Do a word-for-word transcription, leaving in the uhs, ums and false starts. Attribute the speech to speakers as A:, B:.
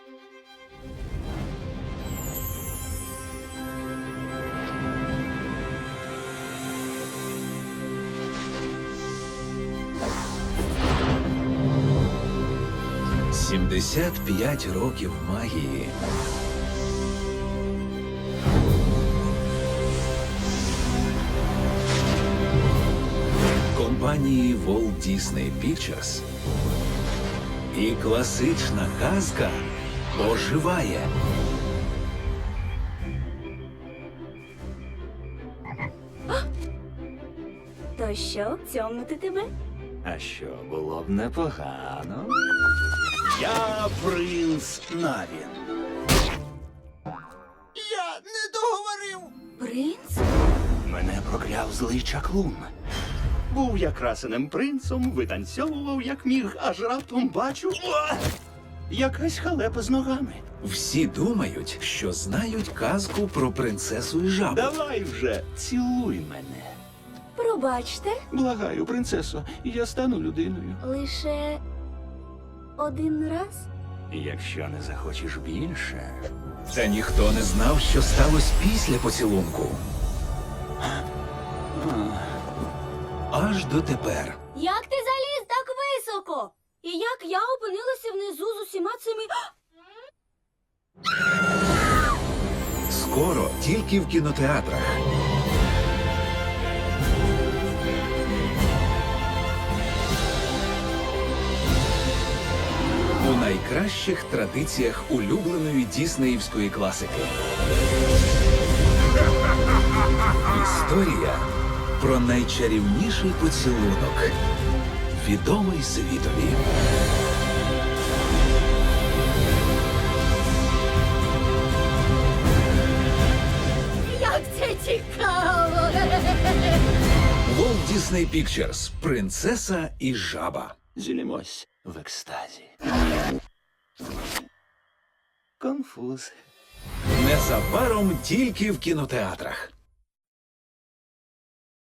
A: сімдесят п'ять років магії. Компанії Walt Disney Pictures. І класична казка оживає.
B: То що, цьомнути тебе?
A: А що, було б непогано? Я принц Навін.
C: Я не договорив.
B: Принц?
C: Мене прокляв злий чаклун. Був я красеним принцем, витанцьовував як міг, аж раптом бачу... О! Якась халепа з ногами.
A: Всі думають, що знають казку про принцесу і жабу.
C: Давай вже, цілуй мене.
B: Пробачте,
C: Благаю, принцесо, я стану людиною.
B: лише один раз?
C: Якщо не захочеш більше...
A: Та ніхто не знав, що сталося після поцілунку. Аж дотепер.
B: Як ти заліз так високо? І як я опинилася внизу з усіма цими...
A: Скоро тільки в кінотеатрах. У найкращих традиціях улюбленої діснеївської класики. Історія про найчарівніший поцілунок, відомий світові.
B: Як це цікаво!
A: Walt Disney Pictures. Принцеса і жаба.
C: Зілімось в екстазі. Конфуз.
A: Незабаром тільки в кінотеатрах.